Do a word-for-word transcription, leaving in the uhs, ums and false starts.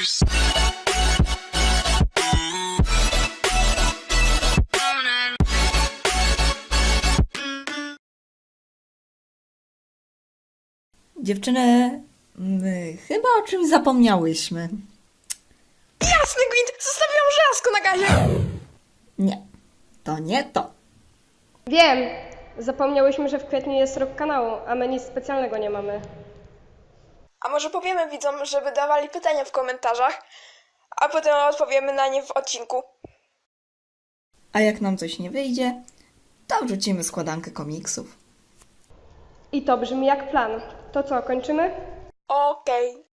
Dziewczyny, my chyba o czymś zapomniałyśmy. Jasny gwint! Zostawiłam żelazko na gazie! Nie, to nie to. Wiem! Zapomniałyśmy, że w kwietniu jest rok kanału, a my nic specjalnego nie mamy. A może powiemy widzom, żeby dawali pytania w komentarzach, a potem odpowiemy na nie w odcinku. A jak nam coś nie wyjdzie, to wrzucimy składankę komiksów. I to brzmi jak plan. To co, kończymy? Okej.